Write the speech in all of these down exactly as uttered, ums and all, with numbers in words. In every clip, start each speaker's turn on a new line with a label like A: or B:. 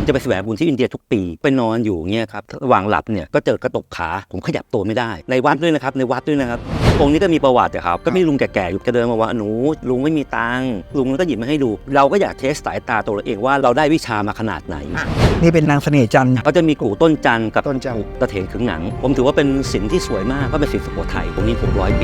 A: ผมจะไปแสวงบุญที่อินเดียทุกปีไปนอนอยู่เงี้ยครับระหว่างหลับเนี่ยก็เจอกระตกขาผมขยับตัวไม่ได้ในวัดด้วยนะครับในวัดด้วยนะครับองค์นี้ก็มีประวัติครับก็มีลุงแก่ๆอยู่จะเดินมาว่าหนูลุงไม่มีตังค์ลุงก็หยิบมาให้ดูเราก็อยากเทสสายตาตัวเราเองว่าเราได้วิชามาขนาดไหน
B: นี่เป็นนางเสน่ห์จันทร์
A: ก็จะมีกู่ต้นจันทร์กับ
B: ต้นจันทร์
A: ตะเถนขึงหนังผมถือว่าเป็นศิลป์ที่สวยมากเพราะเป็นศิลป์สุโขทัยตรงนี้ผมร้อยปี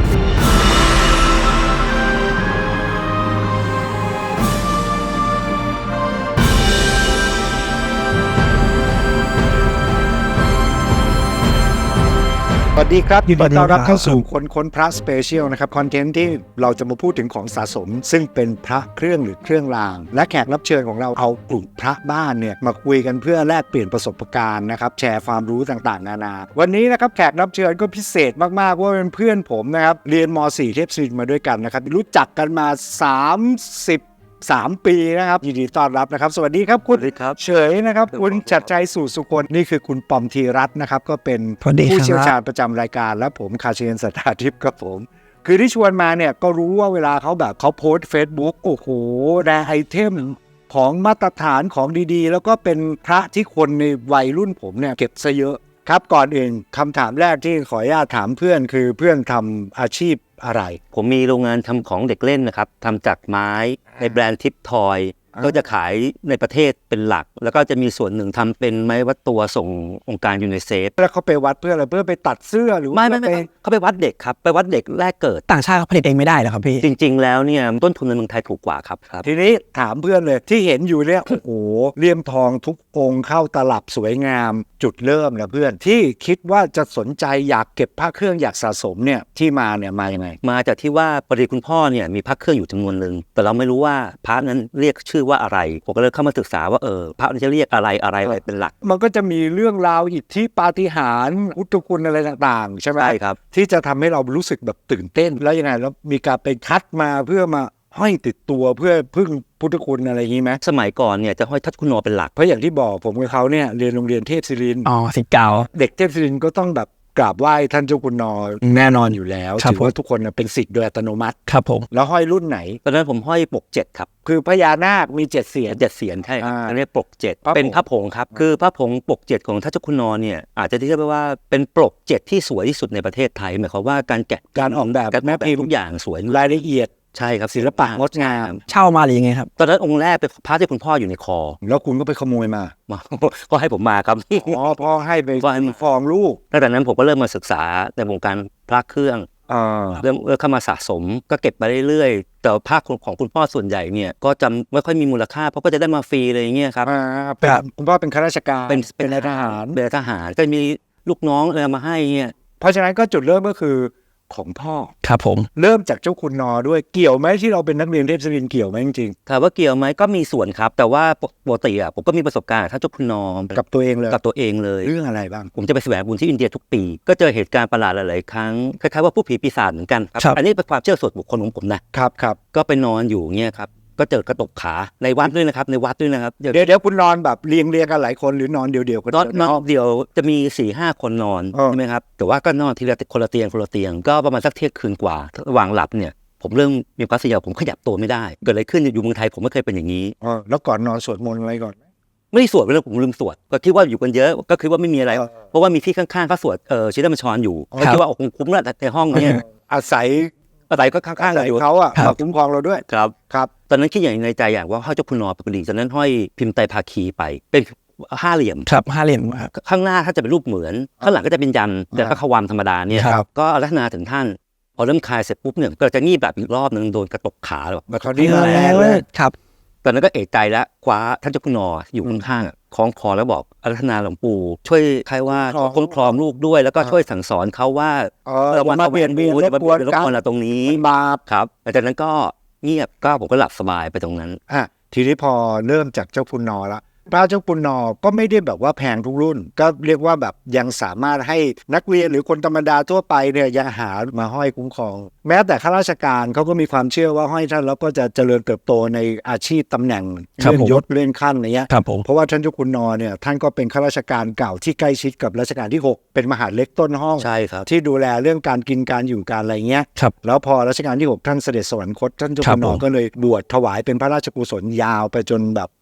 C: สวัสดีครับยินดีต้อนรับเข้าสู่คนค้นพระสเปเชียลนะครับคอนเทนต์ที่เราจะมาพูดถึงของสะสมซึ่งเป็นพระเครื่องหรือเครื่องรางและแขกรับเชิญของเราเอากลุ่มพระบ้านเนี่ยมาคุยกันเพื่อแลกเปลี่ยนประสบการณ์นะครับแชร์ความรู้ต่างๆนานาวันนี้นะครับแขกรับเชิญก็พิเศษมากๆว่าเป็นเพื่อนผมนะครับเรียนม.สี่ เทพศิรินทร์มาด้วยกันนะครับรู้จักกันมาสามสิบสามปีนะครับยินดีต้อนรับนะครับสวัสดีครับคุณเฉยนะครับคุณชัดใจสู่สุคนนี่คือคุณปอมธีรัตน์นะครับก็เป็นผู้เชี่ยวชาญประจำรายการและผมคาเชนสัทธาทิพย์ครับผมคือที่ชวนมาเนี่ยก็รู้ว่าเวลาเขาแบบเขาโพสต์ Facebook โอ้โหแรไอเทมของมาตรฐานของดีๆแล้วก็เป็นพระที่คนในวัยรุ่นผมเนี่ยเก็บซะเยอะครับก่อนอื่นคำถามแรกที่ขออนุญาตถามเพื่อนคือเพื่อนทำอาชีพอะไร
A: ผมมีโรงงานทำของเด็กเล่นนะครับทำจากไม้ในแบรนด์ทิปทอยก็จะขายในประเทศเป็นหลักแล้วก็จะมีส่วนหนึ่งทำเป็นไม้วัดตัวส่งองค์การยูนิเซฟ
C: แล้วเขาไปวัดเพื่ออะไรเพื่อไปตัดเสื้อหรือ
A: ไม่ไม่ไม่เขาไปวัดเด็กครับไปวัดเด็กแรกเกิด
B: ต่างชาติเขาผลิตเองไม่ได้หรอครับพี่
A: จริงๆแล้วเนี่ยต้นทุนในเมืองไทยถูกกว่าครับครับ
C: ทีนี้ถามเพื่อนเลยที่เห็นอยู่เนี่ยโอ้โหเลี่ยมทองทุกองค์เข้าตลับสวยงามจุดเริ่มนะเพื่อนที่คิดว่าจะสนใจอยากเก็บพระเครื่องอยากสะสมเนี่ยที่มาเนี่ยมายังไง
A: มาจากที่ว่าปริคุณพ่อเนี่ยมีพระเครื่องอยู่จำนวนหนึ่งแต่เราไม่รู้ว่าพระนั้นเรียกชื่อว่าอะไรผมก็เลยเข้ามาศึกษาว่าเออพระนั้นจะเรียกอะไรอะไรอะไรเป็นหลัก
C: มันก็จะมีเรื่องราวอิทธิปาฏิหาริย์พุทธคุณอะไรต่างๆใช่ไหม
A: ใช่ครับ
C: ที่จะทำให้เรารู้สึกแบบตื่นเต้นแล้วยังไงแล้วมีการไปคัดมาเพื่อมาห้อยติดตัวเพื่อพึ่งพุทธคุณอะไรอย่างนี้ไหม
A: สมัยก่อนเนี่ยจะห้อยทัดคุณโนเป็นหลัก
C: เพราะอย่างที่บอกผมกับเขาเนี่ยเรียนโรงเรียนเทพศิรินทร์
B: อ๋อศิษย์เก่า
C: เด็กเทพศิรินทร์ก็ต้องแบบกราบไหว้ท่านเจ้าคุณนอแน่นอนอยู่แล้วถือว่าทุกคนเป็นศิษย์โดยอัตโนมัติ
B: ครับผม
C: แล้วห้อยรุ่นไหน
A: ตอนนั้นผมห้อยปกเจ็ดครับ
C: คือพญานาคมีเจ็ดเสียร
A: เจ็ดเสียรใช่อันนี้ปกเจ็ดเป็นพระผงครับคือพระผงปกเจ็ดของท่านเจ้าคุณนอเนี่ยอาจจะเรียกว่าเป็นปกเจ็ดที่สวยที่สุดในประเทศไทยหมายความว่าการแกะ
C: การออกแบบ
A: แม้พิมพ์ทุกอย่างสวย
C: รายละเอียด
A: ใช่ครับ
C: ศิลปะงดงาม
B: เช่ามาหรือยังไงครับ
A: ตอนนั้นองค์แรกเป็นพระที่คุณพ่ออยู่ในคอ
C: แล้วคุณก็ไปขโมยมา
A: ก็ให้ผมมาครับ
C: อ๋อพ่อให้ไปฟ้องลูก
A: ตั้งแต่นั้นผมก็เริ่มมาศึกษาในวงการพระเครื่องเริ่มเข้ามาสะสมก็เก็บไปเรื่อยๆแต่ภาคของคุณพ่อส่วนใหญ่เนี่ยก็จำไม่ค่อยมีมูลค่าเพราะก็จะได้มาฟรีอะไรอย่างเงี้ยครับ
C: เป็นคุณพ่อเป็นข้าราชการ
A: เป็น
C: เป็นนายทหาร
A: เป็นทหารก็มีลูกน้องอะไรมาให้เงี้ย
C: เพราะฉะนั้นก็จุดเริ่มก็คือของพ่อ
B: ครับผม
C: เริ่มจากเจ้าคุณนอด้วยเกี่ยวไหมที่เราเป็นนักเรียนเทพศิรินทร์เกี่ยวไหมจริง
A: ๆถามว่าเกี่ยวไหมก็มีส่วนครับแต่ว่าปกติอ่ะผมก็มีประสบการณ์ท่านเจ้าคุณนอ
C: กับตัวเองเลย
A: กับตัวเองเลย
C: เรื่องอะไรบ้าง
A: ผมจะไปแสวงบุญที่อินเดียทุกปีก็เจอเหตุการณ์ประหลาดหลายๆครั้งคล้ายๆว่าผู้ผีปีศาจเหมือนกันครับอันนี้เป็นความเชื่อส่วนบุคคลของผม
C: นะครับครับ
A: ก็ไปนอนอยู่เงี้ยครับก็เจอกระตกขาในวัดด้วยนะครับในวัดด้วยนะครับ
C: เดี๋ยวเดี๋ยวคุณนอนแบบเรียงเรียงกันหลายคนหรือนอนเดียวเดียวกัน
A: นอนนอนเดียวจะมี สี่ห้า คนนอนใช่ไหมครับแต่ว่าก็นอนทีละคนละเตียงคนละเตียงก็ประมาณสักเที่ยงคืนกว่าระหว่างหลับเนี่ยผมเริ่มมีความเสียวผมขยับตัวไม่ได้เกิดอะไรขึ้นอยู่เมืองไทยผมไม่เคยเป็นอย่างนี้
C: อ๋อแล้วก่อนนอนสวดมนต์อะไรก่อน
A: ไม่ได้สวดไปแล้วผมลืมสวดก็คิดว่าอยู่กันเยอะก็คิดว่าไม่มีอะไรเพราะว่ามีพี่ข้างๆเขาสวดเออชินบัญชรอยู่ก็คิดว่าคงคุ้มแล้วในห้องเนี่ย
C: อาศัย
A: อะไรก็ข้างๆ
C: อยู่เขาอ่ะมาคุ้มครองเราด้วย
A: ครับ
C: ครับ
A: ตอนนั้นคิดอย่างในใจอย่างว่าห้อยเจ้าคุณนอปกติตอนนั้นห้อยพิมพ์ไตรภาคีไปเป็นห้าเหลี่ยม
B: ครับห้าเหลี่ยมครับ
A: ข้างหน้าถ้าจะเป็นรูปเหมือนข้างหลังก็จะเป็นยันแต่ก็ขวามธรรมดาเนี่ยก็อารัธนาถึงท่านพอเริ่มคลายเสร็จปุ๊บเนี่ยก็จะงีบแบบอีกรอบนึงโดนกระตกขาแบบ
C: คราวนี้มาแรงเลย
B: ครับ
A: ตอนนั้นก็เอะใจแล้วคว้าท่านเจ้าคุณนออยู่ข้างๆคล้องคอแล้วบอกอารัธนาหลวงปู่ช่วยใครว่าคุ้มครองลูกด้วยแล้วก็ช่วยสั่งสอนเขาว่า
C: เรามาเปลี่ยนเบียนรบกวน
A: กันตรงนี้
C: บาป
A: ครับหลังจากนั้นก็เงียบก็ผมก็หลับสบายไปตรงนั้น
C: อ่ะทีนี้พอเริ่มจากเจ้าคุณนอละพระเจ้าคุณนอก็ไม่ได้แบบว่าแพงทุกรุ่นก็เรียกว่าแบบยังสามารถให้นักเรียนหรือคนธรรมดาทั่วไปเนี่ยยังหามาห้อยคุ้มครองแม้แต่ข้าราชการเขาก็มีความเชื่อว่าห้อยท่านแล้วก็จะเจริญเติบโตในอาชีพตำแหน่งเลื่อนยศเลื่อนขั้นอะไรเงี้ยเพราะว่าท่านเจ้าคุณนอเนี่ยท่านก็เป็นข้าราชการเก่าที่ใกล้ชิดกับรัชกาลที่หกเป็นมหาดเล็กต้นห้อง
A: ใช่ครับ
C: ที่ดูแลเรื่องการกินการอยู่การอะไรเงี้ยแล้วพอรัชกาลที่หกท่านเสด็จสวรรคตท่านเจ้าคุณนอก็เลยบวชถวายเป็นพระราชกุศลยาวไปจนแบบ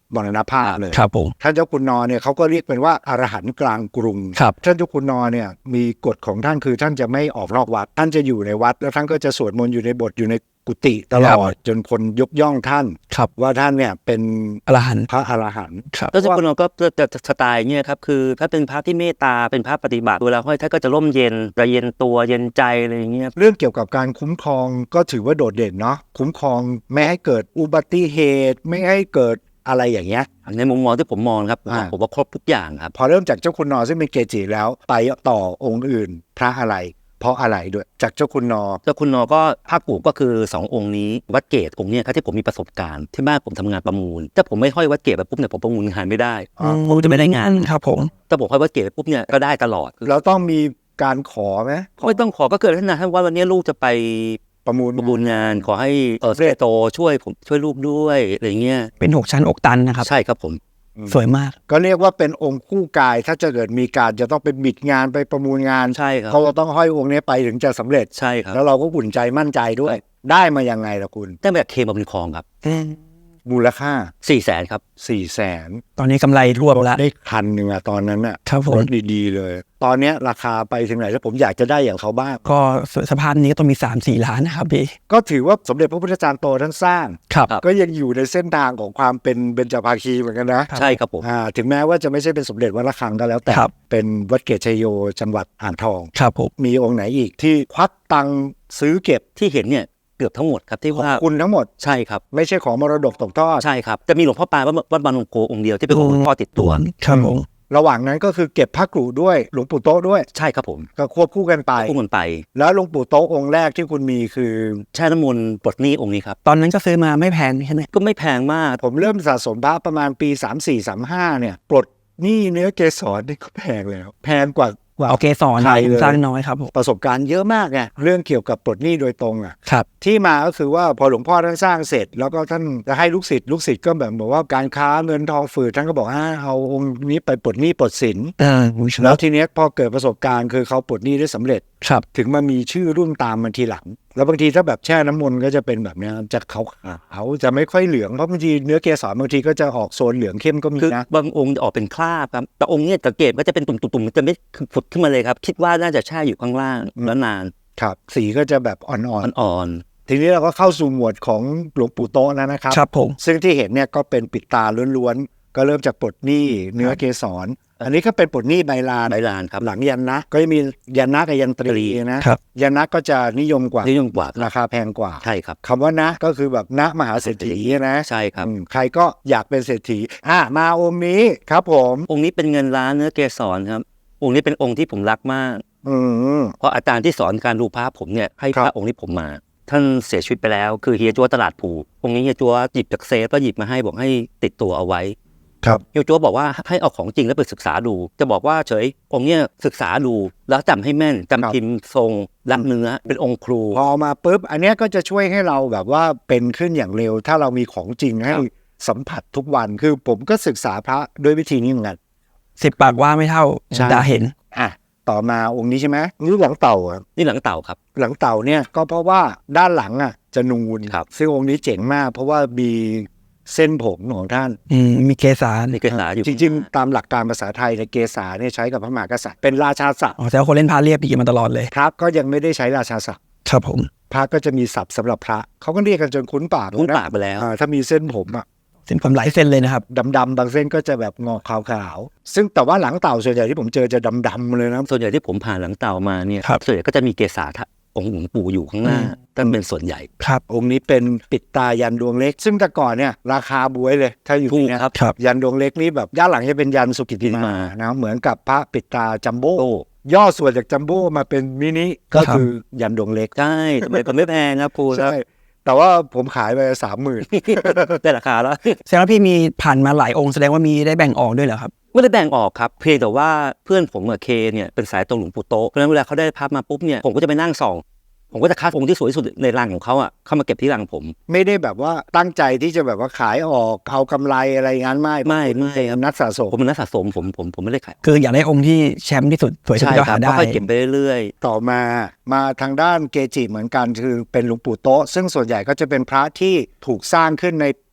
C: มรณภาพเลย
B: ครับผม
C: ท่านเจ้าคุณนอเนี่ยเขาก็เรียกเป็นว่าอรหันต์กลางกรุง
B: ครับ
C: ท่านเจ้าคุณนอเนี่ยมีกฎของท่านคือท่านจะไม่ออกนอกวัดท่านจะอยู่ในวัดแล้วท่านก็จะสวดมนต์อยู่ในโบสถ์อยู่ในกุฏิตลอดจนคนยกย่องท่าน
B: ครับ
C: ว่าท่านเนี่ยเป็น
B: อรหันต์
C: พระอรหันต์
B: ครับ
A: แล้วเจ้าคุณนอก็จะสไตล์เนี่ยครับคือถ้าเป็นพระที่เมตตาเป็นพระปฏิบัติเวลาห้อยท่านก็จะร่มเย็นจะเย็นตัวเย็นใจอะไรอย่างเงี้ย
C: เรื่องเกี่ยวกับการคุ้มครองก็ถือว่าโดดเด่นเนาะคุ้มครองไม่ให้เกิดอุบัติเหตุไม่ให้เกิดอะไรอย่างเงี้ย
A: ในมุมมองที่ผมมองครับ
C: อ่า
A: ผมว่าครบทุกอย่างครับ
C: พอเริ่มจากเจ้าคุณนอซึ่งเป็นเกจิแล้วไปต่อองค์อื่น พระอะไร เพราะอะไรด้วยจากเจ้าคุณนอ
A: เจ้าคุณนอก็ภาคกูก็คือสององค์นี้วัดเกตองค์เนี้ยครับที่ผมมีประสบการณ์ที่บ้านผมทำงานประมูลถ้าผมไม่ห้อยวัดเกตไปปุ๊บเนี่ยผมประมูลงานไม่ได้
C: อ๋อ
A: ผมจะไม่ได้งาน
B: ครับผม
A: ถ้าผมห้อยวัดเกตไปปุ๊บเนี่ยก็ได้ตลอด
C: เราต้องมีการขอไหม
A: ไม่ต้องขอก็เกิดท่านนะท่านว่าวันนี้ลูกจะไป
C: ประมูล
A: ประมูลงานขอให้เออเซโตช่วยผมช่วยลูกด้วยอะไรเงี้ย
B: เป็นหกชั้นอกตันนะครับ
A: ใช่ครับผม
B: สวยมาก
C: ก็เรียกว่าเป็นองค์คู่กาย ถ้าจะเกิดมีการจะต้องไปบิดงานไปประมูลงาน
A: ใช่ครับ
C: เขาก็ต้องห้อยองค์นี้ไปถึงจะสำเร็จ
A: ใช่ครับ
C: แล้วเราก็อุ่นใจมั่นใจด้วย ได้มายังไงล่ะคุณ
A: ได้มาจากเคมาบุญคลองครับ
C: มูลค่า
A: สี่แสนครับ
C: สี่แสน
B: ตอนนี้กำไรรวบแล้ว
C: ได้คันหนึ่งอะตอนนั้นอะ
B: ครับผม
C: รถดีๆเลย ตอนเนี้ยราคาไปถึงไหนแล้วผมอยากจะได้อย่างเขาบ้าง
B: ก็สภาพนี้ก็ต้องมี สามสี่ ล้านนะครับพี่
C: ก็ถือว่าสมเด็จพระพุทธจารย์โตท่านสร้าง
B: ครับ
C: ก็ยังอยู่ในเส้นทางของความเป็นเบญจภาคีเหมือนกันนะ
A: ใช่ครับผม
C: อ่าถึงแม้ว่าจะไม่ใช่เป็นสมเด็จวัดระฆังก็แล้วแต่
B: ครับ
C: เป็นวัดเกตชัยโยจังหวัดอ่างทอง
B: ครับผม
C: มีองค์ไหนอีกที่ควักตังค์ซื้อเก็บ
A: ที่เห็นเนี่ยเกือบทั้งหมดครับที่
C: ของ
A: ว่า
C: คุณทั้งหมด
A: ใช่ครับ
C: ไม่ใช่ของมรดกตกทอด
A: ใช่ครับจะมีหลวงพ่อปานวัดวัดบางนงโกองค์เดียวที่เป็นของหลวงพ่อติดตัว
B: ครับผม
C: ระหว่างนั้นก็คือเก็บพระกรุด้วยหลวงปู่โต๊ะด้วย
A: ใช่ครับผม
C: ก็ควบคู่กันไป
A: คู่กันไป
C: แล้วหลวงปู่โต๊ะองค์แรกที่คุณมีคือ
A: แช่น้ำมนต์ปลดหนี้องค์นี้ครับ
B: ตอนนั้นก็ซื้อมาไม่แพงใช่ไหม
A: ก็ไม่แพงมาก
C: ผมเริ่มสะสมพระประมาณปี สามสี่ สามห้า เนี่ยปลดหนี้เนื้อเกสรนี่ก็แพงแล้ว แพงกว่า กว่า
B: เอาเกสร
C: ใครเลย
B: สร้างน้อยครับผม
C: ประสบการณ์เยอะมากไงเรื่องเกี่ยวกับปลดหนี้โดยตรงอ่ะ
B: ครับ
C: ที่มาก็คือว่าพอหลวงพ่อท่านสร้างเสร็จ แล้วก็ท่านจะให้ลูกศิษย์ลูกศิษย์ก็แบบบอกว่าการค้าเงินทองฝืดท่านก็บอกอ่าเอาองค์นี้ไปปลดหนี้ปลดสิน
B: เออ
C: แล้วทีเนี้ยพอเกิดประสบการณ์คือเขาปลดหนี้ได้สำเร็จ
B: ครับ
C: ถึงมามีชื่อรุ่นตามมาทีหลัง แล้วบางทีถ้าแบบแช่น้ำมนต์ก็จะเป็นแบบเนี้ยจะขาวๆเขาจะไม่ค่อยเหลืองเพราะบางทีเนื้อเกสรบางทีก็จะออกโซนเหลืองเข้มก็มี
A: คือ
C: นะ
A: บางองค์จะออกเป็นคราบครับแต่องค์เนี้ยสังเกตก็จะเป็นตุ่มๆๆมันจะไม่ผุดขึ้นมาเลยครับ คิดว่าน่าจะแช่อยู่ข้างล่างแล้วนาน
C: ครับสีก็จะแบบอ่อน
A: อ่อน
C: ๆทีนี้เราก็เข้าสู่หมวดของหลวงปู่โตะแล้วนะครับ
B: ครับผม
C: ซึ่งที่เห็นเนี่ยก็เป็นปิดตาล้วนๆก็เริ่มจากปลดหนี้เนื้อเกสรอันนี้ก็เป็นปลดหนี้ใบลาน
A: ๆใบลานครับ
C: หลังยันนะก็จะมียันนะกับยันตรีนะครับ ยันนะก็จะนิยมกว่า
A: นิยมกว่า
C: ราคาแพงกว่า
A: ใช่ครับ
C: คำว่านะก็คือแบบนะมหาเศรษฐีนะ
A: ใช่ครับ
C: อืมใครก็อยากเป็นเศรษฐีอ่ะมาองค์นี้ครับผม
A: องค์นี้เป็นเงินล้านเนื้อเกสรครับองค์นี้เป็นองค์ที่ผมรักมาก
C: อืม
A: เพราะอาจารย์ที่สอนการดูพระผมเนี่ยให้
C: ครั
A: พ
C: บ
A: ระองค์นี้ผมมา ท่านเสียชีวิตไปแล้วคือเฮียจัวตลาดภูองค์นี้เฮียจัวหยิบจากเซฟก็หยิบมาให้บอกให้ติดตัวเอาไว้
C: ครับ
A: เฮียจัวบอกว่าให้เอาของจริงแล้วไปศึกษาดู จะบอกว่าเฉยองค์เนี้ยศึกษาดูแล้วจำให้แม่นจำพิมพ์ทรงรักเนื้อเป็นองค์ครู
C: พอมาปุ๊บอันเนี้ยก็จะช่วยให้เราแบบว่าเป็นขึ้นอย่างเร็ว ถ้าเรามีของจริงให้สัมผัสทุกวันคือผมก็ศึกษาพระด้วยวิธีนี้เหมือนกัน
B: สิบปากว่าไม่เท่า
C: ใช่
B: ตาเห็น
C: อ่ะต่อมาองค์นี้ใช่ไหมนี่หลังเต่าอ่ะ
A: นี่หลังเต่าครับ
C: หลังเต่าเนี่ยก็เพราะว่าด้านหลังอ่ะจะนูน
A: ครับ
C: ซึ่งองค์นี้เจ๋งมาก เพราะว่ามีเส้นผมของท่าน
B: อืมมีเกสร
A: นี่เกษาอยู่
C: จริงๆ ตามหลักการภาษาไทยในยเกษาเนี่ยใช้กับพระมหากษัตริย์เป็นราชาศัพท์
B: อ๋อแต่ว่าคนเล่นพาเรียบดีมาตลอดเลย
C: พระก็ยังไม่ได้ใช้ราชาศัพท์
B: ครับผม
C: พระก็จะมีศัพท์สำหรับพระเขาก็เรียกกันจนคุ้นปาก
A: คุ้น
C: นะ
A: ปากไปแล้ว
C: อ่าถ้ามีเส้นผมอ่ะ
B: เส้นผมหลายเส้นเลยนะครับ
C: ดำๆบางเส้นก็จะแบบงอกขาวๆซึ่งแต่ว่าหลังเต่าส่วนใหญ่ที่ผมเจอจะดำๆเลยนะ
A: ส่วนใหญ่ที่ผมผ่านหลังเต่ามาเนี่ย
B: ครับ
A: ส่วนใหญ่ก็จะมีเกษาทะองค์หลวงปู่อยู่ข้างหน้า
B: อืม
A: ท่านเป็นส่วนใหญ่
B: ครับ
C: องค์นี้เป็นปิดตายันดวงเล็ก ซึ่งแต่ก่อนเนี่ยราคาบวยเลย ถ้าอยู่
A: ถู
C: ที่
A: ก
C: เนี่ย
A: ครับ
B: ครับ
C: ยันดวงเล็กนี่แบบย่านหลังจะเป็นยันสุกิติมา
A: มา
C: นะเหมือนกับพระปิดตาจัมโบ้
A: โอ้
C: ย่อส่วนจากจัมโบ้มาเป็นมินิก็คือยันดวงเล็ก
A: ใช่ทำไมก็ไม่แพงครับครูครับ
C: ใช่แต่ว่าผมขายไปสามหมื่น
A: ได้ราคาแล้ว
B: แสดงว่าพี่มีผ่านมาหลายองค์แสดงว่ามีได้แบ่งออกด้วยเหรอครับ
A: ไม่ได้แบ่งออกครับเพียงแต่ว่าเพื่อนผมกับเคเนี่ยเป็นสายตรงหลวงปู่โตะเพราะฉะนั้นเวลาเขาได้ภาพมาปุ๊บเนี่ยผมก็จะไปนั่งส่อง ผมก็จะคัดองค์ที่สวยที่สุดในรังของเขาอ่ะเข้ามาเก็บที่รังผม
C: ไม่ได้แบบว่าตั้งใจที่จะแบบว่าขายออกเอากำไรอะไรงั้นไม่
A: ไม่ไม่ครับ
C: นักสะสม
A: ผมเป็นนักสะสมผมผมผมไม่ได้ขาย
B: คืออยากได้องค์ที่แชมป์ที่สุดสวยที่สุ
A: ใช่
B: ดก็
A: ครั
B: หา
A: บ
B: ได้
A: ค่อยๆเก็บไปเรื่อย
C: ต่อมามาทางด้านเกจิเหมือนกันคือเป็นหลวงปู่โต๊ะซึ่งส่วนใหญ่ก็จะเป็นพระที่ถูกสร้างขึ้นใน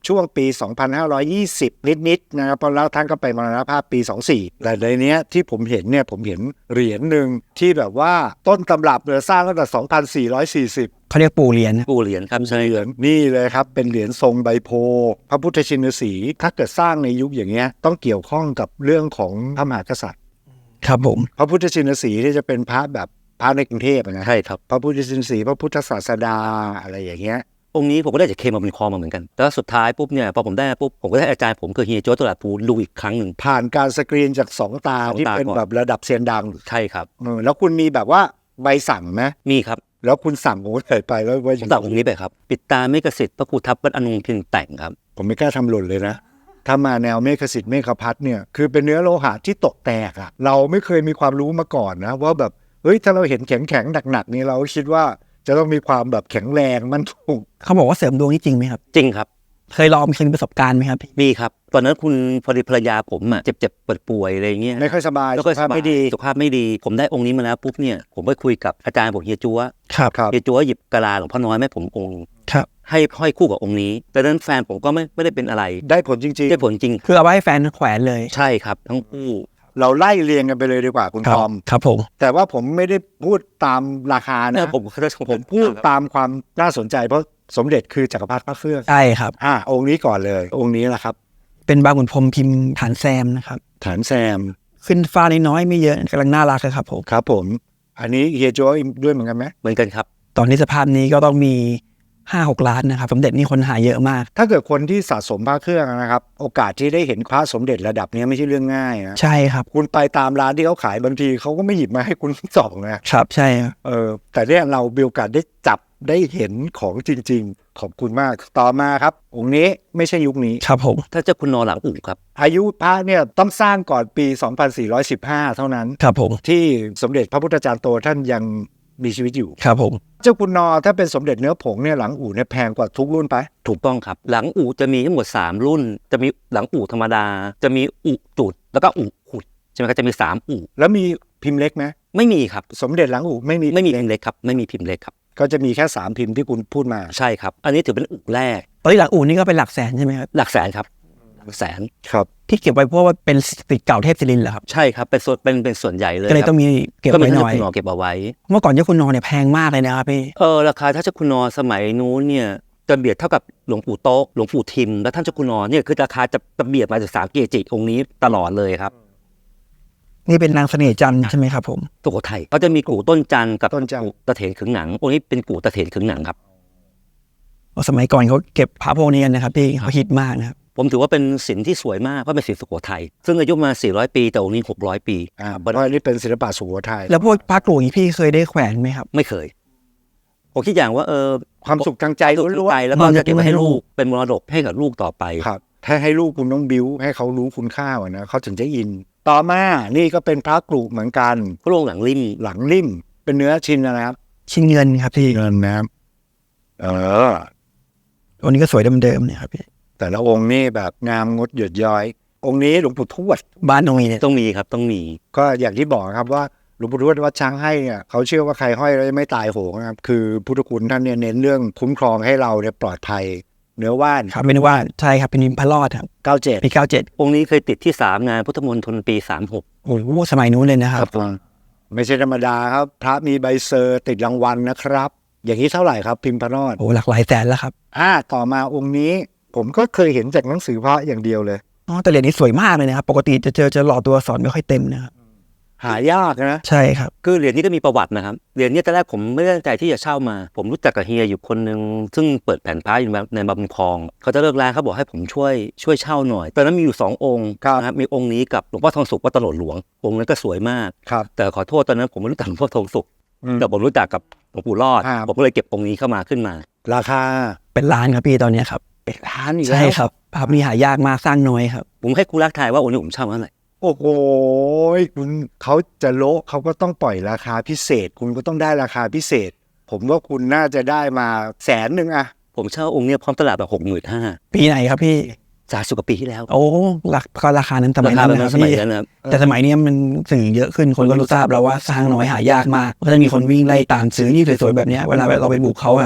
C: ช่วงปี สองพันห้าร้อยยี่สิบ นิดๆนะครับแล้วท่านก็ไปมรณภาพปี สองพันสี่ แต่ในเนี้ยที่ผมเห็นเนี่ยผมเห็นเหรียญหนึ่งที่แบบว่าต้นตำรับเลยสร้างตั้งแต่ สองพันสี่ร้อยสี่สิบ
B: เขาเรียกปู่เหรียญนะ
A: ปู่เหรียญครับใช่
C: เหรียญนี่เลยครับเป็นเหรียญทรงใบโพธิ์พระพุทธชินสีห์ถ้าเกิดสร้างในยุคอย่างเงี้ยต้องเกี่ยวข้องกับเรื่องของพระมหากษัตริย์
B: ครับผม
C: พระพุทธชินสีห์ที่จะเป็นพระแบบพระในกรุงเทพนะ
A: ใช่ครับ
C: พระพุทธชินสีห์พระพุทธศาสดาอะไรอย่างเงี้ย
A: องค์นี้ผมก็ได้จากเคมาเป็นคอมาเหมือนกันแต่ว่าสุดท้ายปุ๊บเนี่ยพอผมได้ปุ๊บผมก็ได้อาจารย์ผมคือเฮียโจ้ตลาดภูดูอีกครั้งหนึ่ง
C: ผ่านการสกรีนจากสองตา
A: สองตา
C: ที่เป็น
A: ก่อน
C: แบบระดับเซียนดัง
A: ใช่ครับ
C: เออแล้วคุณมีแบบว่าใบสั่งไหม
A: มีครับ
C: แล้วคุณสั่งโอ้ยไปแล้วไว้
A: ผมตัดองค์นี้ไปครับปิดตาเมฆสิทธิ์พระครูทัพวัดอนุพินแต่งครับ
C: ผมไม่กล้าทำหล่นเลยนะ ถ้ามาแนวเมฆสิทธิ์เมฆพัฒน์เนี่ยคือเป็นเนื้อโลหะที่ตกแตกอะเราไม่เคยมีความรู้มาก่อนนะว่าแบบเฮ้ยถ้าเราเห็นแข็งแข็งๆหนักๆนี่เราคิดว่าจะต้องมีความแบบแข็งแรงมั่นคง
B: เขาบอกว่าเสริมดวงนี่จริงไหมครับ
A: จริงครับ
B: เคยลองเคยมีประสบการณ์ไหมครับพี่
A: มีครับตอนนั้นคุณพอดีภรรยาผมอ่ะเจ็บเจ็บปวดป่วยอะไรเงี้ย
C: ไม่ค่อยสบาย
A: แล้วก็
C: สุขภาพไม่ดี
A: สุขภาพไม่ดี ผมได้องค์นี้มาแล้วปุ๊บเนี่ยผมไปคุยกับอาจารย์บอกเฮียจัว
B: ครับ
C: ครับ
A: เฮียจัวหยิบกะลาหลวงพ่อน้อยแม่ผมองค์
B: ครับ
A: ให้ห้อยคู่กับองค์นี้ แต่นั้นแฟนผมก็ไม่ไม่ได้เป็นอะไร
C: ได้ผลจริง
A: ได้ผลจริง
B: คือเอาไว้ให้แฟนแขวนเลย
A: ใช่ครับทั้งคู่
C: ๆ เราไล่เรียงกันไปเลยดีกว่าคุณ
B: ครั
C: ทอม
B: ครับผม
C: แต่ว่าผมไม่ได้พูดตามราคา
A: เนี่
C: นะ
A: ยผมผม
C: ผมพูดตามความน่าสนใจเพราะสมเด็จคือจักรพรรดิพระเครื่อง
B: ใช่ครับ
C: อ่าองค์นี้ก่อนเลย องค์นี้แหละครับ
B: เป็นบางขุนพรหมพิมพ์ฐานแซมนะครับ
C: ฐานแซม
B: ขึ้นฟ้าน้อยๆไม่เยอะกำลังน่ารักเลยครับผม
C: ครับผม อันนี้เฮียโจ้ด้วยเหมือนกันไหม
A: เหมือนกันครับ
B: ตอนนี้สภาพนี้ก็ต้องมีห้าหกล้านนะครับ สมเด็จนี่คนหาเยอะมาก
C: ถ้าเกิดคนที่สะสมพระเครื่องนะครับ โอกาสที่ได้เห็นพระสมเด็จระดับนี้ไม่ใช่เรื่องง่ายนะ
B: ใช่ครับ
C: คุณไปตามร้านที่เขาขายบางทีเขาก็ไม่หยิบมาให้คุณส่องนะครับ
B: ใช่ครับ
C: เออแต่เนี่ยเรามีโอกาสได้จับได้เห็นของจริง ๆ ขอบคุณมากต่อมาครับ องค์นี้ไม่ใช่ยุคนี้
B: ครับผม
A: ถ้าเจ้าคุณนอหลังอู่ครับ
C: อายุพระเนี่ยต้องสร้างก่อนปี สองพันสี่ร้อยสิบห้า เท่านั้น
B: ครับผม
C: ที่สมเด็จพระพุทธจารย์โตท่านยังมีชีวิตอยู่
B: ครับผม
C: เจ้าคุณนอถ้าเป็นสมเด็จเนื้อผงเนี่ยหลังอู่เนี่ยแพงกว่าทุกรุ่นไป
A: ถูกต้องครับ หลังอู่จะมีทั้งหมดสามรุ่น จะมีหลังอู่ธรรมดา จะมีอู่จุดแล้วก็อู่ขุดใช่ไหมครับจะมีสามอู่
C: แล้วมีพิมพ์เล็กไหม
A: ไม่มีครับ
C: สมเด็จหลังอู่ไม่มี
A: ไม่มีพิมพ์เล็กครับไม่มีพิมพ์เล็กครับ
C: ก็จะมีแค่สามพิมพ์ที่คุณพูดมา
A: ใช่ครับ อันนี้ถือเป็นอู่แรก
B: ตอนนี้หลังอู่นี่ก็เป็นหลักแสนใช่ไหมครับ
A: หลักแสนครับหลักแสน
C: ครับ
B: ที่เก็บไว้เพราะว่าเป็นสิทธิ์เก่าเทพศิรินทร์เหรอครับ
A: ใช่ครับเป็นส่วนเป็นเป็นส่วนใหญ่เลย
B: ก็เลย
A: ครับ
B: ต้องมีเก็บ
A: ก็มี
B: ไว้ห
A: ท่าน
B: น่อย
A: คุณนอเก็บเอาไว้
B: เมื่อก่อนเจ้าคุณนอเนี่ยแพงมากเลยนะครับพี่
A: เออราคาถ้าเจ้าคุณนอสมัยนู้นเนี่ยจะเบียดเท่ากับหลวงปู่โต๊ะหลวงปู่ทิมและท่านเจ้าคุณนอเนี่ยคือราคาจะจะเบียดมาจากสามเกจิองค์นี้ตลอดเลยครับ
B: นี่เป็นนางเสน่ห์จันทร์ใช่ไหมครับผม
A: สุโขทัยเขาจะมีกู่ต้นจันทร์กับ
C: ต้นจันทร์
A: กู่ตะเถนขึงหนังองค์นี้เป็นกู่ตะเถนขึงหนังครับ
B: สมัยก่อนเขาเก็บพระพวกนี้กันนะครับพี่เขาฮิตมากนะครับ
A: ผมถือว่าเป็นศิลป์ที่สวยมากเพราะเป็นศิลป์สุโขทัยซึ่งอายุมาสี่ร้อยปีแต่องค์นี้หกร้อยปี
C: อ่าเพราะอันนี้เป็นศิลปะสุโขทัย
B: แล้วพวกพระกลุ่มนี้พี่เคยได้แขวนไหมครับ
A: ไม่เคยผมคิดอย่างว่าเออ
C: ความสุขทางใจ
A: สุข
C: ล้วน
A: ใจแล้วก็จะเก็บไว้ให้ลูกเป็นมรดกให้กับลูกต่อไป
C: ๆครับ ถ้าให้ลูกคุณต้องบิ้วให้เขารู้คุณค่าอะนะเขาถึงจะอิน ต่อมานี่ก็เป็นพระกรุเหมือนกัน
A: พระองค์หลังริม
C: หลังริมเป็นเนื้อชินนะครับ
B: ชิ้นเงินครับพี่
C: เงินนะครับเออ
B: วันนี้ก็สวยเดิมๆเนี่ยครับพี่
C: แต่ละองค์นี่แบบงามงดหยดย้อย องค์นี้หลวงปู่ทวด
B: บ้านตรงนี้เนี่ย
A: ต้องมีครับต้องมี
C: ก็อย่างที่บอกครับว่าหลวงปู่ทวดวัดช้างให้เนี่ยเขาเชื่อว่าใครห้อยแล้วไม่ตายโหงนะครับคือพุทธคุณท่านเนี่ยเน้นเรื่องคุ้มครองให้เราเนี่ยปลอดภัย เนื้อว่าน
B: ครับเป็นว่าใช่ครับเป็นนิมพระรอดครับ
C: เก้าเจ็ด
B: ปีเก้าเจ็ด
A: องค์นี้เคยติดที่สามงานพุทธมณฑลปีสามหก
B: โอ้โหสมัยนู้นเลยนะครับ
C: ไม่ใช่ธรรมดาครับ พระมีใบเซอร์ติดรางวัลนะครับ อย่างนี้เท่าไหร่ครับพิมพ์พระรอด
B: โอ้หลักหลายแสนแล้วครับ
C: อ่าต่อมาองค์นี้ผมก็เคยเห็นจากหนังสือพระอย่างเดียวเลย
B: อ๋อแต่เหรียญนี้สวยมากเลยนะครับปกติจะเจอจะหล่อตัวอักษรไม่ค่อยเต็มนะครับ
C: หายากนะ
B: ใช่ครับ
A: คือเหรียญนี้ก็มีประวัตินะครับเหรียญนี้ตอนแรกผมไม่ได้ตั้งใจที่จะเช่ามา ผมรู้จักกับเฮียอยู่คนหนึ่งซึ่งเปิดแผ่นพระอยู่ในบำคลองเขาจะเลิกร้านเขาบอกให้ผมช่วยช่วยเช่าหน่อยตอนนั้นมีอยู่สององค์นะครับมีองค์นี้กับหลวงพ่อทองสุขวัดตลาดหลวงองค์นั้นก็สวยมาก
C: ครับ
A: แต่ขอโทษตอนนั้นผมไม่รู้จักหลวงพ่อทองสุข
C: อืม
A: แต่ผมรู้จักกับหลวงปู่รอด
C: ครับ
A: ผมก็เลยเก็บองค์นี้เข้ามาขึ้นมา
C: ราคา
B: เป็นล้านครับพี่ตอนเนี้ยครับ
C: เป็นล้านอีกแล้ว
B: ใช่ครับภาพนี้หายากมากสร้างน้อยครับ
A: ผมให้ครูรักทายว่าองค์นี้ผมเช่าเท่าไหร่
C: โอ้โหคุณเขาจะโละเขาก็ต้องปล่อยราคาพิเศษ คุณก็ต้องได้ราคาพิเศษ ผมว่าคุณน่าจะได้มาแสนหนึ่งอะ
A: ผมเช่าองค์เนี้ยพร้อมตลาดแบบหกหมื่นห้า
B: ปีไหนครับพี่
A: สามสิบกว่าปีที่แล้ว
B: โอ้หลักก็ราคานั้นสมั
A: ราย คา
B: นั้น
A: เป็น
B: นะครับ
A: สมัย
B: พี่
A: นั้นนะครับ
B: แต่สมัยนี้มันสื่อเยอะขึ้นคนก็รู้ทราบแล้วว่าสร้างน้อยหายากมากก็จะมีคนวิ่งไล่ตามซื้อนี่สวยๆแบบเนี้ยเวลาเราไปบุกเขาแบบ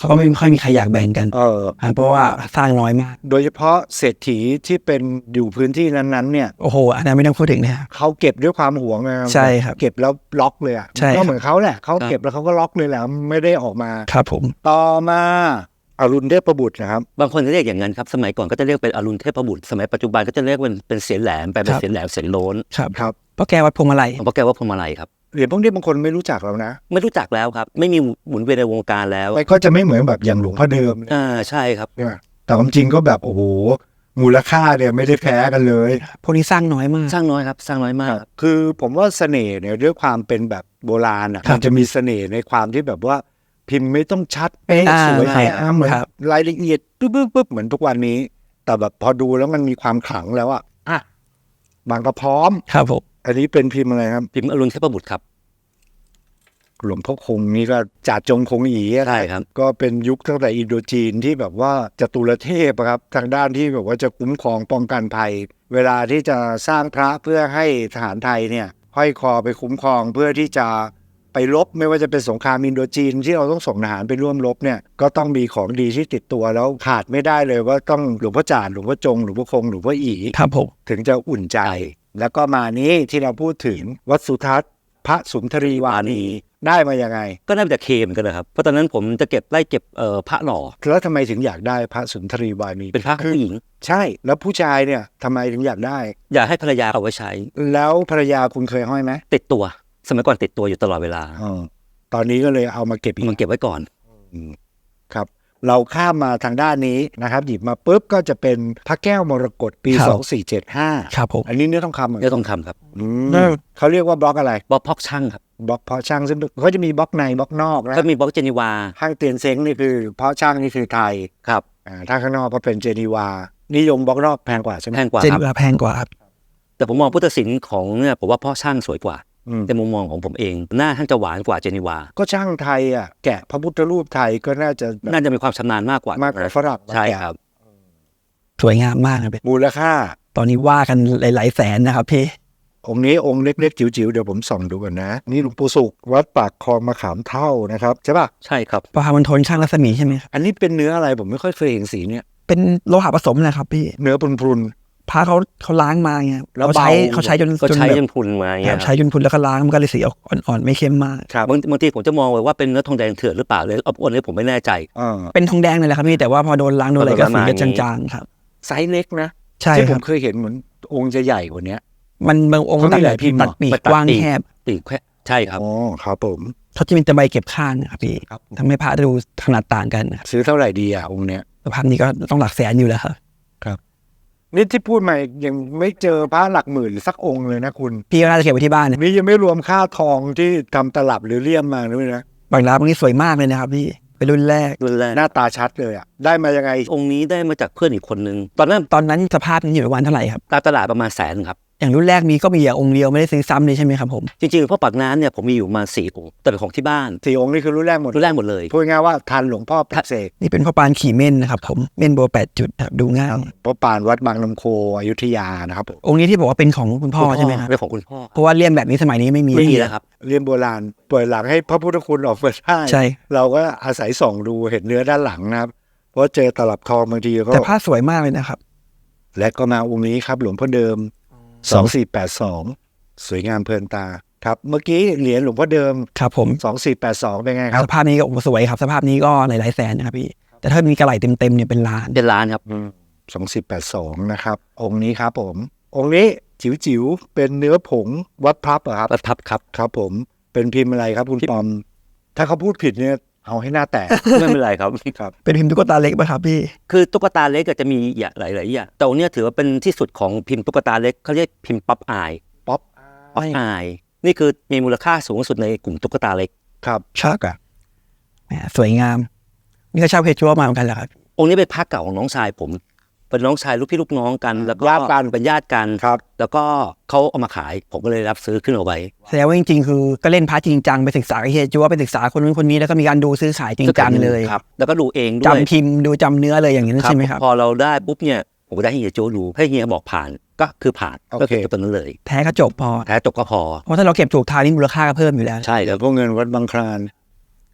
B: เขาก็ไม่ค่อยมีใครอยากแบ่งกัน
C: เออ
B: เพราะว่าสร้างน้อยมาก
C: โดยเฉพาะเศรษฐีที่เป็นอยู่พื้นที่นั้นๆเนี่ย
B: โอ้โหอันนั้นไม่ต้องพูดถึงนะครับ
C: เขาเก็บด้วยความหวงนะ
B: ใช่ครับ
C: เก็บแล้วล็อกเลยอ่ะ
B: ใช่ครับ
C: ก็เหมือนเขาแหละเขาเก็บแล้วเขาก็ล็อกเลยแหละไม่ได้ออกมา
B: ครับผม
C: ต่อมาอรุณเทพบุตรนะครับ
A: บางคนจะเรียกอย่างนั้นครับสมัยก่อนก็จะเรียกเป็นอรุณเทพบุตรสมัยปัจจุบันก็จะเรียกเป็นเป็นเสียนแหลมไปเป็นเสียนแหลมเสียนโล้น
B: ครับ
C: ครับ
B: เพราะแกวัดพวงมาลัย
A: เพราะแกว่าพวงมาลัยครับ
C: เหรียญพวกนี้บางคนไม่รู้จักแล้วนะ
A: ไม่รู้จักแล้วครับไม่มีหมุนเวียนในวงการแล้ว
C: มันก็จะไม่เหมือนแบบอย่างหลวงพ่อเดิม
A: อ่าใช่ครับ
C: เนี่ยแต่ความจริงก็แบบโอ้โหมูลค่าเนี่ยไม่ได้แพ้กันเลย
B: พวกนี้สร้างน้อยมาก
A: สร้างน้อยครับสร้างน้อยมาก
C: คือผมว่าเสน่ห์เนี่ยด้วยความเป็นแบบโบราณอ่ะ
B: ครับ
C: มันจะมีเสน่ห์ในความที่แบบว่าพิมพ์ไม่ต้องชัดเป๊ะ
B: อ่า
C: สวย
B: ใช่
C: งามเหมือน
B: ครับ
C: รายละเอียดปึ๊บปึ๊บปึ๊บเหมือนทุกวันนี้ แต่แบบพอดูแล้วมันมีความขลังแล้วอ่ะอ่ะบางกระพร้อม
B: ครับผม
C: อันนี้เป็นพิมพ์อะไรครับ
A: พิมพ์อรุณเทพบุตรครับ
C: หลวงพ่อคงนี่ก็จ่าจงคงอีอะ
A: ใช่ครับ
C: ก็เป็นยุคตั้งแต่อินโดจีนที่แบบว่าจตุรเทพอะครับทางด้านที่แบบว่าจะคุ้มครองป้องกันภัย เวลาที่จะสร้างพระเพื่อให้ทหารไทยเนี่ยห้อยคอไปคุ้มครองเพื่อที่จะไปรบไม่ว่าจะเป็นสงครามอินโดจีนที่เราต้องส่งทหารไปร่วมรบเนี่ยก็ต้องมีของดีที่ติดตัวแล้วขาดไม่ได้เลยว่าต้องหลวงพ่อจาดหลวงพ่อจงหลวงพ่อคงหลวงพ่ออี
B: ครับผม
C: ถึงจะอุ่นใจ แล้วก็มานี้ที่เราพูดถึงวัดสุทัศน์พระสุนทรีวานีได้มายังไง
A: ก็ได้มาจากเคเหมือนกันนะครับเพราะตอนนั้นผมจะเก็บไล่เก็บเอ่อพระหล่อ
C: แล้วทำไมถึงอยากได้พระสุนทรีวานี
A: เป็นพระผู้หญิง
C: ใช่แล้วผู้ชายเนี่ยทำไมถึงอยากได้
A: อยากให้ภรรยาเอาไว้ใช้
C: แล้วภรรยาคุณเคยห้อยไหม
A: ติดตัว สมัยก่อนติดตัวอยู่ตลอดเวลา
C: ออตอนนี้ก็เลยเอามาเก็บอีก
A: มันเก็บไว้ก่อน
C: ครับ เราข้ามมาทางด้านนี้นะครับหยิบมาปุ๊บก็จะเป็นพระแก้วมรกตปี
B: ครับ
C: สองสี่เจ็ดห้า
B: ครับผม
C: อันนี้เนื้อทองคำเหรอ
A: เนื้อทองคำครับ
C: อืมเขาเรียกว่าบล็อกอะไร
A: บล็อกพอกช่างครับ
C: บล็อกเพาะช่างซึ่งเขาจะมีบล็อกในบล็อกนอกนะ
A: ก็มีบล็อกเจนีวา
C: ห้างเตียนเซ้งนี่คือเพาะช่างนี่คือไทย
A: ครับ
C: อ่าถ้าข้างนอกก็เป็นเจนีวา นิยมบล็อกนอกแพงกว่าใช่ไหม
A: แพงกว่า
B: เจน
A: ครับ
B: เวลาแพงกว่าครับ
A: แต่ผมมองพุทธศิลป์ของเนี่ยผมว่าพ่อช่างสวยกว่า
C: อืม
A: ในมุมมองของผมเอง หน้าท่านจะหวานกว่าเจนีวา
C: ก็ช่างไทยอ่ะแกะพระพุทธรูปไทยก็น่าจะแบบ
A: น่าจะมีความชำนาญมากกว่าม
C: ากกว่าฝรั่ง
A: ใช่ครับ
B: สวยงามมากครับ
C: มูลค่า
B: ตอนนี้ว่ากันหลายๆแสนนะครับพี่
C: องค์นี้องค์เล็กๆจิ๋วๆเดี๋ยวผมส่องดูก่อนนะ นี่หลวงปู่สุขวัดปากคลองมะขามเท่านะครับใช่ป่ะ
A: ใช่ครับ
B: พระพามันทนช่างรัศมีใช่ไหมครับ
C: อันนี้เป็นเนื้ออะไรผมไม่ค่อยเคยเห็นสีเนี่ย
B: เป็นโลหะผสมแหละครับพี่
C: เนื้อพรุน
B: พระเขาเขาล้างมาไง
C: แล้ว
B: เขาใช้
C: เบา
B: เขาใช้จน
A: ก็ใช้
B: แบบ
A: จนพรุนมาอย่าง
B: ค
A: เงี้
B: รั
A: ย
B: บ
A: ค
B: ใช้
A: รับ
B: จนพุนแล้วก็ล้างมันก็เลยสีออกอ่อนๆไม่เข้มมาก
C: ๆครับ
A: บางบางทีผมจะมองเลยว่าเป็นเนื้อทองแดงเถื่อนหรือเปล่าเลยอบอ้วนเลยผมไม่แน่ใจ
C: อ่า
B: เป็นทองแดงเลยแหละครับพี่แต่ว่าพอโดนล้างโดนอะไรก็
A: ประ
B: สี
A: มาณ
B: ก็
A: นี้
B: จางๆครับ
C: ไซส์เล็กนะ
B: ใช่
C: ที่
B: ค
C: ผ
B: รับ
C: มเคยเห็นเหมือนองค์จะใหญ่กว่านี้
B: มันบางองค์
C: เขามี
B: ตัด
C: หลายพิมพ์
B: ตัดปีก
A: เหรอ
B: กว้างแคบ
A: ตีแค่ใช่ครับ
C: อ๋อครับผม
B: เขาจะมีตะไบเก็บข้างนะครับพี่
C: ครับ
B: ทำให้พระดูขนาดต่างกันนะครับ
C: ซื้อเท่าไหร่ดีอ่ะองค์เนี้ย
B: สภาพนี้ก็ต้องหลักแสนอยู่แล้วครับ
C: นี่ที่พูดมายังไม่เจอพระหลักหมื่นสักองค์เลยนะคุณ
B: พี่ก็น่าจะเก็บไว้ที่บ้านนะ
C: นี่ยังไม่รวมค่าทองที่ทำตลับหรือเลี่ยมมาด้วยนะ
B: บางร้านบางนี้สวยมากเลยนะครับพี่เป็นรุ่นแรก
A: รุ่นแรก
C: หน้าตาชัดเลยอ่ะได้มายังไง
A: องค์นี้ได้มาจากเพื่อนอีกคนนึงตอนนั้น
B: ตอนนั้นสภาพนี้อยู่ประมาณเท่าไหร่ครับ
A: ตามตลาดประมาณแสนครับ
B: อย่างรุ่นแรกมีก็มีอย่างองค์เดียวไม่ได้ซื้อซ้ำเลยใช่ไหมครับผม
A: จริงๆพ่อปากน้ำเนี่ยผมมีอยู่ประมาณสี่องค์แต่เป็นของที่บ้าน
C: สี่องค์นี่คือรุ่นแรกหมด
A: รุ่นแรกหมดเลย
C: พูดง่ายๆว่าทันหลวงพ่อปลุกเสก
B: นี่เป็นพ่อปานขี่เม่นนะครับผมเม่นโบแปดจุดครับดูง่าย
C: พระปานวัดบางลำโคอยุธยานะครับผม
B: องค์นี้ที่บอกว่าเป็นของคุณพ่อใช่ไหมครับ
A: เป็นของคุณพ่อ
B: เพราะว่าเลี่ยมแบบนี้สมัยนี้ไม่มี
A: ไม่มีแล้วครับ
C: เรียนโบราณเปิดหลังให้พระพุทธคุณออกมาได้
B: ใช่
C: เราก็อาศัยส่องดูเห็นเนื้อด้านหลังนะครับ เพราะเจอตลับทองบางทีก็
B: แต่ผ้าสวยมากเลยนะครับ
C: และก็มาองค์นี้ครับหลวงพ่อเดิมสองสี่แปดสองสวยงามเพลินตาครับ เมื่อกี้เหรียญหลวงพ่อเดิม
B: ครับผม
C: สองสี่แปดสองเป็นไงครับ
B: สภาพนี้ก็โอ้โหสวยครับ สภาพนี้ก็หลายๆแสนนะครับพี่แต่ถ้ามีกระไหล่เต็มๆเนี่ยเป็นล้าน
A: เป็นร้านครับ
C: สองสี่แปดสองนะครับ องค์นี้ครับผม องค์นี้จิ๋วๆเป็นเนื้อผงวัดพลับเหรอครับ
A: วัดพับครับ
C: ครับผมเป็นพิมพ์อะไรครับคุณปอม ถ้าเขาพูดผิดเนี่ยเอาให้หน้าแตก
A: ไม่เป็นไรครับ
C: ครับ
B: เป็นพิมพ์ตุ๊กตาเล็กป่ะครับพี่
A: คือตุ๊กตาเล็กก็จะมีอย่างหลายๆอย่างแต่องค์เนี้ยถือว่าเป็นที่สุดของพิมพ์ตุ๊กตาเล็กเขาเรียกพิมพ์ป๊อปอาย
C: ป๊อป
A: ป๊อปอายนี่คือมีมูลค่าสูงสุดในกลุ่มตุ๊กตาเล็ก
C: ครับ
B: ชักอะแหมสวยงาม นี่ก็เช่าเพจชัวมาเหมือนกันแหละครับ
A: องค์นี้เป็นพระเก่าของน้องชายผม เป็นน้องชายลูกพี่ลูกน้องกัน แล้วก็
C: ญาติกัน
A: เป็นญาติกัน
C: ครับ
A: แล้วก็เขาเอามาขายผมก็เลยรับซื้อขึ้นเอาไว้
B: แสดงว่าจริงๆคือก็เล่นพาร์ทจริงจังไปศึกษากับเฮียจัวไปศึกษาคนนู้นคนนี้แล้วก็มีการดูซื้อขายจริงจังเลย
A: ครับแล้วก็ดูเองด้วย
B: จำพิมพ์ดูจำเนื้อเลยอย่างนี้นใช่ไหมครับ
A: พอเราได้ปุ๊บเนี่ยผมก็ได้ให้เฮียโจดูให้เฮียบอกผ่านก็คือผ่าน
C: โอ
A: ก็
C: เค
A: คือตัวนั้นเลย
B: แท้ก็จบพอ
A: แท้จบก็พอ
B: เพราะถ้าเราเก็บถูกทางนี่มูลค่าก็เพิ่มอยู่แล้ว
A: ใช่
C: เดี๋
A: แล้
C: ยว วพวกเงินวัดบางคลาน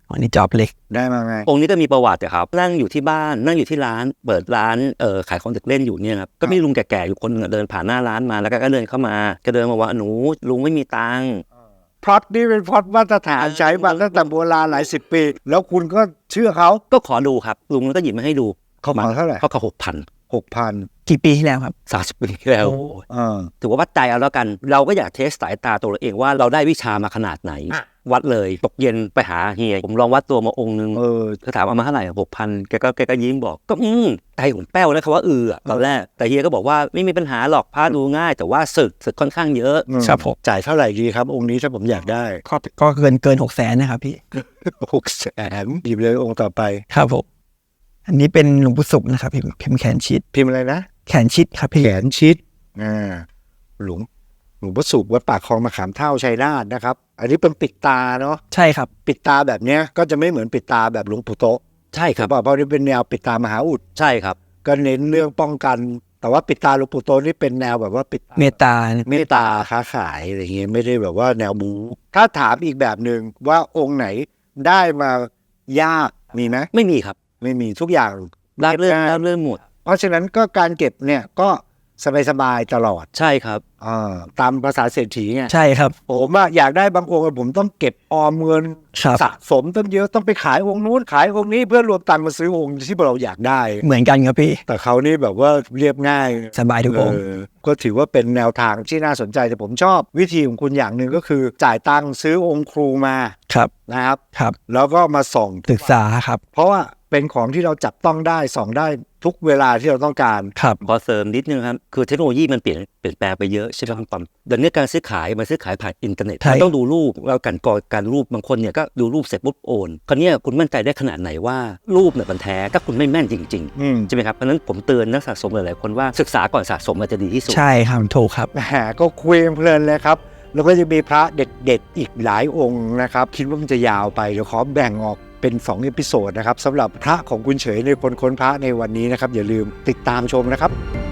B: อันนี้จอบเล็ก
C: ได้มาไง
A: องค์นี้ก็มีประวัติอะครับนั่งอยู่ที่บ้านนั่งอยู่ที่ร้านเปิดร้านเอ่อขายของเด็กเล่นอยู่เนี่ยครับก็มีลุงแก่ๆอยู่คนหนึงอะเดินผ่านหน้าร้านมาแล้วก็เดินเข้ามาก็เดินมาว่าหนูลุงไม่มีตังค์
C: พล็อตนี่เป็นพล็อตมาตรฐานใช้มาตั้งแต่โบราณหลายสิบปี แล้วคุณก็เชื่อเขา
A: ก็ขอดูครับลุงก็หยิบมาให้ดู
C: เขาขอเท่าไหร่
A: เขาขอหกพัน
C: หกพัน
B: กี่ปีที่แล้วครับ
A: สามสิบปีที่แล้ว
C: อ่า
A: ถือว่าวัดใจเอาแล้วกัน เราก็อยากเทสสายตาตัวเราเองว่าเราได้วิชามาขนาดไหน วัดเลยตกเย็นไปหาเฮียผมลองวัดตัวมาองค์นึง
C: เออ
A: ก็ถามเอามาเท่าไหร่หกพันแกก็แกก็ยิ้มบอกก็อืมใจผมแป้วแล้วคำว่าเอออะตอนแรกแต่เฮียก็บอกว่าไม่มีปัญหาหรอกพระดูง่าย แต่ว่าศึกศึกค่อนข้างเยอะ
B: ครับผม
C: จ่ายเท่าไหร่ดีครับ องค์นี้ถ้าผมอยากได้
B: ก็ก็เกินเกินหกแสนนะครับพี่
C: หกแสนหยิบเลยองค์ต่อไป
B: ครับผมอันนี้เป็นหลวงปู่ศุกร์นะครับพิมพ์พิมพ์แขนชิด
C: พิมพ์อะไรนะ
B: แขนชิดครับพี่
C: แขนชิดอ่าหลวงหลวงพ่อสุขวัดปากคลองมะขามเท่าชัยนาทนะครับ อันนี้เป็นปิดตาเนาะ
B: ใช่ครับ
C: ปิดตาแบบเนี้ยก็จะไม่เหมือนปิดตาแบบหลวงปู่โตะ
A: ใช่ครับ
C: เพราะเพราะนี่เป็นแนวปิดตามหาอุด
A: ใช่ครับ
C: ก็เน้นเรื่องป้องกัน แต่ว่าปิดตาหลวงปู่โตะนี่เป็นแนวแบบว่าปิด
B: เมตตา
C: เมตตาค้าขายอะไรเงี้ยไม่ได้แบบว่าแนวบูถ้าถามอีกแบบหนึ่งว่าองค์ไหนได้มายากมีไหม
A: ไม่มีครับ
C: ไม่มีทุกอย่าง
A: ได้เรื่อง
C: ได้
A: ได้เรื่องหมด
C: เพราะฉะนั้นก็การเก็บเนี่ยก็สบายๆตลอด
A: ใช่ครับ
C: อ่าตามภาษาเศรษฐีไง
B: ใช่ครับ
C: ผมอะอยากได้บางองค์อะผมต้องเก็บออมเงิน
B: ครับ
C: สะสมตั้งเยอะต้องไปขายองค์นู้นขายองค์นี้เพื่อรวมตังค์มาซื้อองค์ที่เราอยากได้
B: เหมือนกันครับพี่
C: แต่เขานี่แบบว่าเรียบง่าย
B: สบายทุกองค์
C: เออก็ถือว่าเป็นแนวทางที่น่าสนใจแต่ผมชอบวิธีของคุณอย่างหนึ่งก็คือ จ่ายตังค์ซื้อองค์ครูมา
B: ครับ
C: นะครับ
B: ครับ
C: แล้วก็มาส่อง
B: ศึกษาครับ
C: เพราะว่าเป็นของที่เราจับต้องได้ส่องได้ทุกเวลาที่เราต้องการ
B: ครับ
A: ขอเสริมนิดนึงครับ คือเทคโนโลยีมันเปลี่ยนเปลี่ยนแปลงไปเยอะใช่ไหมครับตอมเดี๋ยวนี้การซื้อขายมันซื้อขายผ่านอินเทอร์เน็ต
B: ใช่
A: มันต้องดูรูปแล้วกันก่อนการรูปบางคนเนี่ยก็ดูรูปเสร็จปุ๊บโอนคราวเนี้ยคุณมั่นใจได้ขนาดไหนว่ารูปเนี่ยมันแท้ถ้าคุณไม่แม่นจริง
C: อืม
A: ๆใช่ไหมครับเพราะฉะนั้นผมเตือนนักสะสมหลายๆคนว่าศึกษาก่อนสะสมมันจะดีที่สุด
B: ใช่ครับถูกครับ
C: แหมก็คุยเพลินเลยครับ แล้วก็จะมีพระเด็ดๆอีกหลายองค์นะครับ คิดว่ามันจะยาวไป เดี๋ยวขอแบ่งออกเป็นสองเอพิโซดนะครับสำหรับพระของคุณเฉยในคนค้นพระในวันนี้นะครับ อย่าลืมติดตามชมนะครับ